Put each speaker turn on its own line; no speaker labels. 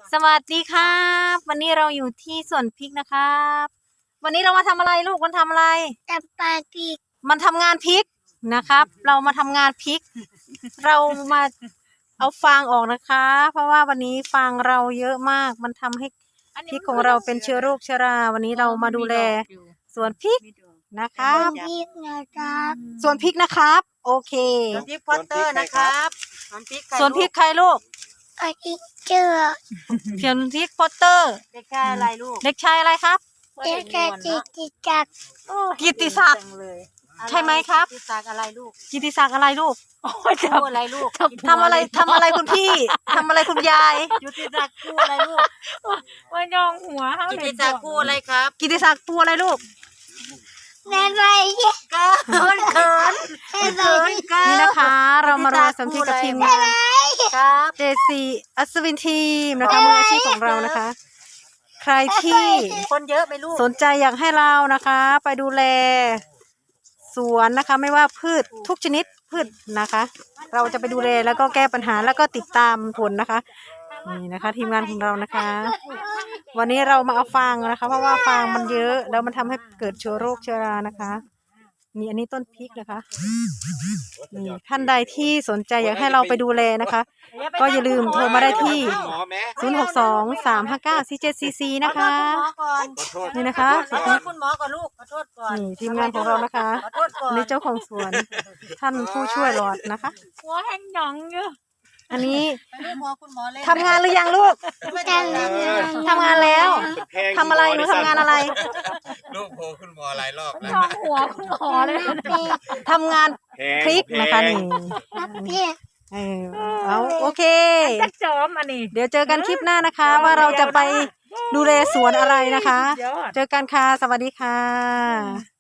สวัสดีครับวันนี้เราอยู่ที่สวนพริกนะครับวันนี้เรามาทำอะไรลูกมันทำอะไร
จับปลาพริก
มันทำงานพริกนะครับ เรามาทำงานพริก เรามาเอาฟางออกนะคะ เพราะว่าวันนี้ฟางเราเยอะมากมันทำให้พริกของเราเป็นเชื้อโรคเชื้อราวันนี้เรามาดูแลสวนพริกนะครับ
พริกนะครับ
สวนพริกนะครับ โอเค
สวนพริกพอตเตอร์นะครับสวนพริก
สวนพริกใครลูก
ปลาพริกเจอ
สวนพริกพอตเตอร์
เด็กชายอะไรลูก
เด็กชายอะไรครับ
เด็กกระติกติจับ
กิตติศักดิ์ ใช่ไหมครับ
กิตติศักดิ์อะไรลูก
กิตติศักดิ์อะไรลูก
คู่อะไรลูก
ทำอะไรคุณพี่ทำอะไรคุณยาย
กิตติศักดิ์คู่อะไรลูก
ว่ายองหัวเขา
กิตติศักดิ์คู่อะไรครับ
กิตติศักดิ์ปูอะไรลูก
แม่ไปเนี่ย
เกิน
นี่นะคะ เรามารวมสมทบกับทีมงาน
ครับ
JC อัศวินทีมนะคะมืออาชีพของเรานะคะ ใครที่
คนเยอะไหมลูก
สนใจอยากให้เรานะคะ ไปดูแลสวนนะคะ ไม่ว่าพืชทุกชนิดพืชนะคะ เราจะไปดูแลแล้วก็แก้ปัญหาแล้วก็ติดตามผลนะคะนี่นะคะ ทีมงานของเรานะคะ วันนี้เรามาเอาฟางนะคะ เพราะว่าฟางมันเยอะแล้วมันทำให้เกิดเชื้อโรคเชื้อรานะคะนี่อันนี้ต้นพริกนะคะนี่ท่านใดที่สนใจอยากให้เราไปดูแลนะคะ ก็อย่าลืมโทรมาได้ที่ 062-359-4744 นะคะ
ขอโทษคุณหมอก่อน
นี่นะคะ
ขอโทษคุณหมอก่อนลูกขอโทษก่อน
นี่ทีมงานของเรานะคะ
ขอโทษก่อน
นี่เจ้าของสวน ท่านผู้ช่วยหลอดนะคะ
หัวแห้งหยองอยู่
อันนี้
ไปดูหมอคุณหมอเล่น
ทำงานหรือยังลูก
ไม่
จั
ได้
บ
เลย
ทำงานแล้วทำอะไรหนูทำงานอะไร
ลูกโพคุณหมอหลายรอบแล้ว
ยองหัวคุณหมอเลย
ทำงานพริกนะคะนี่
พริก
เอาโอเค
จะจอมอันนี้
เดี๋ยวเจอกันคลิปหน้านะคะ ว่าเราจะไปดูแลสวนอะไรนะคะ
ยอด
เจอกันค่ะ สวัสดีค่ะ